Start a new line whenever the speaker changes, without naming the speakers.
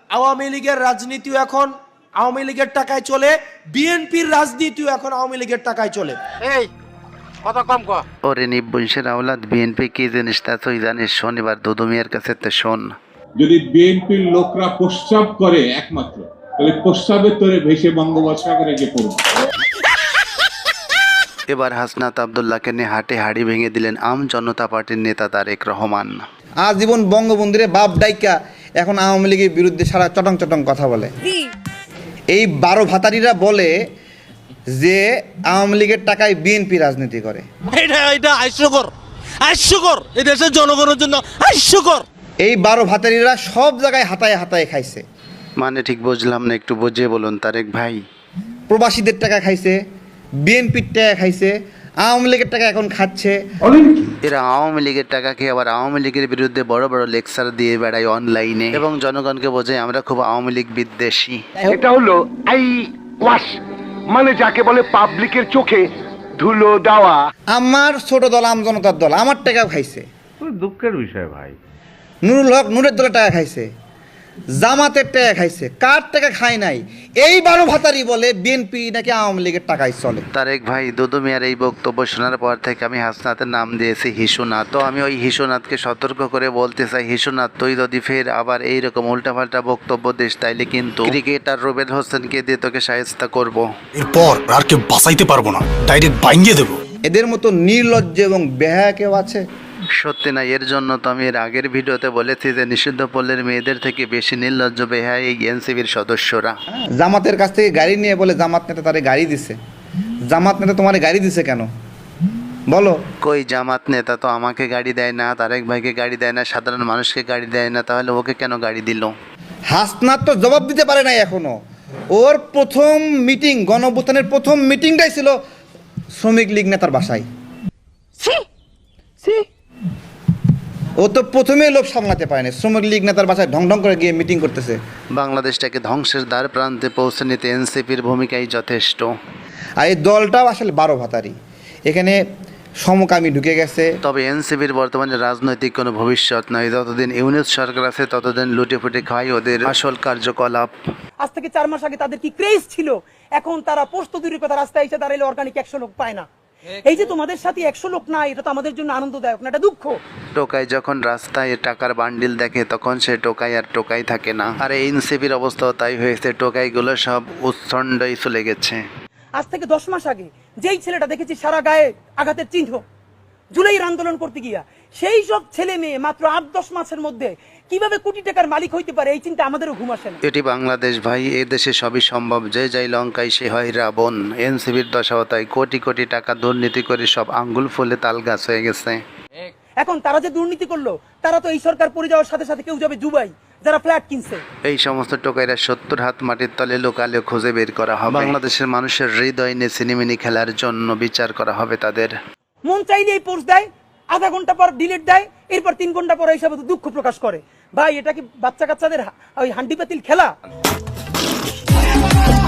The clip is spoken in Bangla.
আওয়ামী লীগের রাজনীতিও এখন আওয়ামী লীগের টাকায় চলে, বিএনপির রাজনীতিও এখন আওয়ামী লীগের টাকায় চলে।
এই কথা কম কর।
ওরে নিবংশের আওলাদ, বিএনপি কি জিনিস তা তুই জানিস? শনিবার দুদু মিয়ার কাছে তো শোন।
যদি বিএনপির লোকরা প্রস্রাব করে একমাত্র, তাহলে প্রস্রাবের তরে ভেসে বঙ্গোপসাগরে গিয়ে পড়বে।
এবার হাসনাত আব্দুল্লাহকে নিয়ে হাটে হাড়ি ভেঙে দিলেন আম জনতা পার্টির নেতা তারেক রহমান।
আজীবন বঙ্গবন্ধুরে বাপ ডাইকা এখন আওয়ামী লীগের বিরুদ্ধে সারা চটং চটং কথা বলে। এই 12 ভাতারিরা বলে যে আওয়ামী লীগের টাকায় বিএনপি রাজনীতি করে।
এটা হাস্যকর, এই দেশের জনগণের জন্য হাস্যকর।
এই 12 ভাতারিরা সব জায়গায় হাতায় হাতায় খাইছে।
মানে ঠিক বুঝলাম না, একটু বুঝিয়ে বলুন তারেক ভাই।
প্রবাসীদের টাকা খাইছে, বিএনপির টাকা খাইছে, আওয়ামী লীগের টাকা এখন খাচ্ছে।
এরা আওয়ামী লীগের টাকা খেয়ে আবার আওয়ামী লীগের বিরুদ্ধে বড় বড় লেকচার দিয়ে বেড়ায় অনলাইনে এবং জনগণকে বোঝায় আমরা খুব আওয়ামী লীগ বিদ্বেষী।
এটা হলো আই ওয়াশ, মানে যাকে বলে পাবলিকের চোখে ধুলো দেওয়া।
আমার ছোট দল আম জনতার দল আমার টাকাও খাইছে।
দুঃখের বিষয় ভাই।
নুরুল হক নূরের দলের টাকা খাইছে, জামাতের টাকা খাইছে, কার টাকা খায় নাই? এই 12 ভাতারি বলে বিএনপি নাকি আওয়ামী লীগের টাকায় চলে।
তারেক ভাই, দুদু মিয়ার এই বক্তব্য শোনার পর থেকে আমি হাসনাতের নাম দিয়েছি হিসুনাথ। তো আমি ওই হিসুনাথকে সতর্ক করে বলতে চাই, হিসুনাথ তুই যদি ফের আবার এইরকম উল্টাপাল্টা বক্তব্য দিস তাইলে কিন্তু ক্রিকেটার রুবেল হোসেনকে দিয়ে তোকে শায়েস্তা করব।
এরপর আর কেউ বাঁচাইতে পারবো না, ডাইরেক্ট বাইঙ্গে দেবো।
এদের মতো নির্লজ্জ এবং বেহায়া কেউ আছে?
সত্যি না, এর জন্য তো আমি এর আগের ভিডিওতে বলেছি যে নিষিদ্ধ পল্লীর মেয়েদের থেকে বেশি নির্লজ্জ বেহায়া এই এনসিবির সদস্যরা।
জামাতের কাছ থেকে গাড়ি নিয়ে বলে জামাত নেতা তারে গাড়ি দিছে। জামাত নেতা তোমার গাড়ি দিছে কেন বলো?
কই জামাত নেতা তো আমাকে গাড়ি দেয় না, তারেক ভাইকে গাড়ি দেয় না, সাধারণ মানুষকে গাড়ি দেয় না, তাহলে ওকে কেন গাড়ি দিল?
হাসনাত তো জবাব দিতে পারে নাই এখনো। ওর প্রথম মিটিং, গণঅভ্যুত্থানের প্রথম মিটিংটাই ছিল শ্রমিক লীগ নেতার বাসায়। ও তো প্রথমেই লোক সামলাতে পারেনি, শ্রমিক লীগ নেতার বাসায় ঢং ঢং করে গিয়ে মিটিং করতেছে।
বাংলাদেশটাকে ধ্বংসের দ্বার প্রান্তে পৌঁছে নিতে এনসিপির ভূমিকাই যথেষ্ট।
আর এই দলটাও আসলে 12 ভাতারি, এখানে সমকামী ঢুকে গেছে।
তবে এনসিপির বর্তমানে রাজনৈতিক কোনো ভবিষ্যৎ নয়। যতদিন ইউনিট সরকার আছে ততদিন লুটে ফুটে খায় ওদের আসল কার্যকলাপ।
আজ থেকে 4 মাস আগে তাদের কি ক্রেজ ছিল, এখন তারা পোস্ত দূরের কথা রাস্তায় এসে দাঁড়াইলে অর্গানিক 100 লোক পায় না। এই যে তোমাদের সাথে 100 লোক নাই, এটা তো আমাদের জন্য আনন্দদায়ক না, এটা দুঃখ।
টোকাই যখন রাস্তায় টাকার বান্ডিল দেখে তখন সে টোকাই আর টোকাই থাকে না। আর এনসিপির অবস্থাও তাই হয়েছে, টোকাইগুলো সব উচ্ছন্ডই চলে গেছে।
আজ থেকে 10 মাস আগে যেই ছেলেটা দেখেছি সারা গায়ে আঘাতের চিহ্ন জুলাইয়ের আন্দোলন করতে গিয়া, সেই সব ছেলে মেয়ে মাত্র 8-10 মাসের মধ্যে কিভাবে কোটি টাকার মালিক হইতে পারে, এই চিন্তা আমাদেরও ঘুম আসে না।
এটি বাংলাদেশ ভাই, এ দেশে সবই সম্ভব। যে যাই লঙ্কায় সে হয় রাবণ। এনসিপির দশাও তাই, কোটি কোটি টাকা দুর্নীতি করে সব আঙ্গুল ফুলে তাল গাছ হয়ে গেছে।
এখন তারা যে দুর্নীতি করলো, তারা তো এই সরকার পড়ে যাওয়ার সাথে সাথে কেউ যাবে দুবাই, যারা ফ্ল্যাট কিনছে।
এই সমস্ত টোকাইরা 70 হাত মাটির তলে লোকালে খুঁজে বের করা হবে। বাংলাদেশের মানুষের হৃদয় নিয়ে সিনেমিনি খেলার জন্য বিচার করা হবে তাদের।
মন চাইলে এই পোস্ট দেয়, আধা ঘন্টা পর ডিলিট দেয়, এরপর 3 ঘন্টা পর হিসাবে দুঃখ প্রকাশ করে। ভাই এটা কি বাচ্চা কাচ্চাদের ওই হান্ডি পাতিল খেলা?